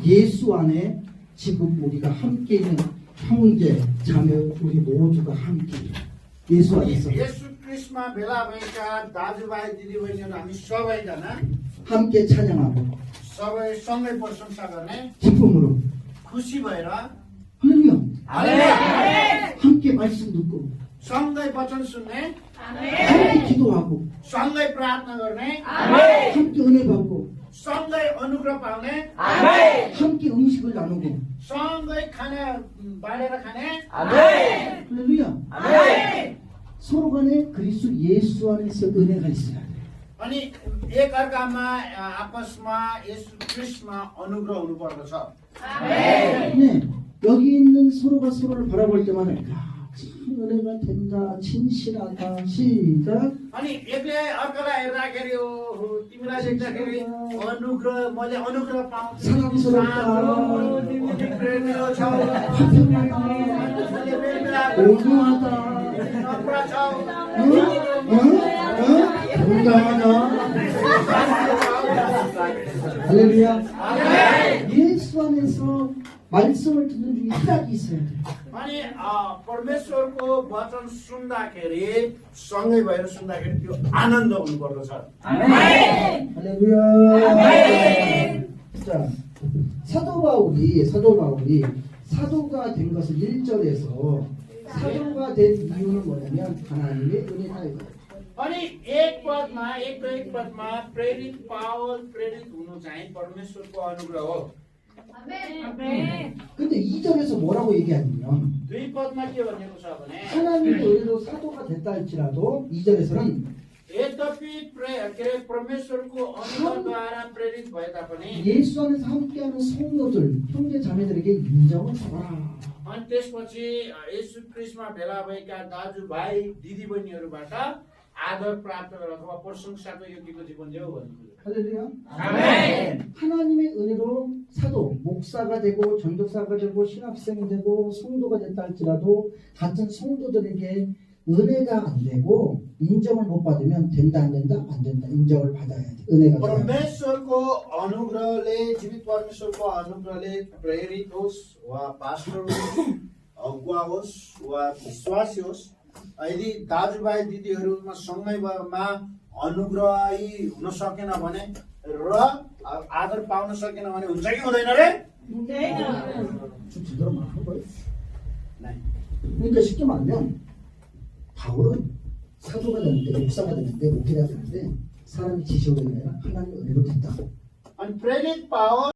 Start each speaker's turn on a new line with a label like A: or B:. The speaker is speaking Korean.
A: 예수 안에 지금 우리가 함께 있는 형제, 자매, 우리 모두가 함께 예수 안에서
B: 예수 क्रिस्टमा भेला भएका दाजुभाइ दिदीबहिनीहरू हामी सबैजना
A: 함께 찬양하고
B: सबै सँगै प्रशंसा गर्ने
A: 기쁨으로
B: खुसी भएर
A: 할렐루야 함께 말씀 듣고
B: सँगै वचन सुन्ने
A: 함께 기도하고
B: सँगै प्रार्थना गर्ने
A: 함께 은혜 받고
B: सँगै अनुग्रह पाउने
A: 함께 음식을 나누고
B: सँगै खाना बाँडेर खाने
A: 할렐루야 서로 간에 그리스도 예수 안에서 은혜가 있어야 돼.
B: अनि एकअर्कामा आपसमा येशू क्रिस्टमा अनुग्रह हुनुपर्दछ
A: 네, 여기 있는 서로가 서로를 바라볼 때마다 참 은혜가 된다, 진실하다, 시작.
B: अनि एकले अर्कालाई हेर्दाखेरि तिमीलाई देख्दाखेरि अनुग्रह मैले अनुग्रह पाउँछु
A: 사랑스럽다,
B: तिमी प्रेमिलो छौ
A: 온유하다,
B: नम्र छौ
A: 건강하다. 할렐루야. 예수 안에서 말씀을 듣는 중에 희락이 있어야 돼.
B: अनि परमेश्वरको वचन सुन्दाखेरि सँगै भएर सुन्दाखेरि त्यो आनन्द हुनुपर्दछ
A: 할렐루야. 자, 사도 바울이 사도가 된 것을 1절에서 사도가 된 이유는 뭐냐면 하나님의 은혜다 이거예요.
B: अनि एक पदमा प्रेरित पावल प्रेरित हुनु चाहिँ परमेश्वरको अनुग्रह हो
A: 근데 2절에서 뭐라고 얘기하냐면
B: दुई पदमा के भनेको छ भने
A: 하나님의 은혜로 사도가 됐다 할지라도 2절에서는
B: यद्यपि परमेश्वरको अनुग्रहद्वारा प्रेरित भए तापनि
A: 예수 안에서 함께하는 성도들, 형제 자매들에게 인정을 받아라.
B: अनि त्यसपछि येशू क्रिस्टमा भेला भएका दाजुभाइ दिदीबहिनीहरूबाट आदर प्राप्त गरेर अथवा प्रशंसाको योग्यको जीवन जिउ भन्नुहुन्छ
A: 할렐루야. 아멘. 하나님의 은혜로 사도, 목사가 되고 전도사가 되고 신학생이 되고 성도가 됐다 할지라도 같은 성도들에게 은혜가 안 되고 인정을 못 받으면 된다 안 된다 안 된다 인정을 받아야 돼. 은혜가 돼야 돼.
B: परमेश्वरको अनुग्रहले जीवित परमेश्वरको अनुग्रहले प्रेरित होस् वा पास्टर होस् अगुवा होस् वा विश्वासी होस् यदि दाजुभाइ दिदीहरूमा सँगैमा अनुग्रही हुन सकेन भने र आदर पाउन सकेन भने हुन्छ कि हुँदैन रे
A: 좀 제대로 말하는 거예요.
B: नै
A: 그러니까 쉽게 말하면 바울은 사도가 되는데 목사가 되는데 목회가 되는데 사람이 지시오는 게 아니라 하나님의 은혜로 됐다.
B: अनि प्रेरित पावर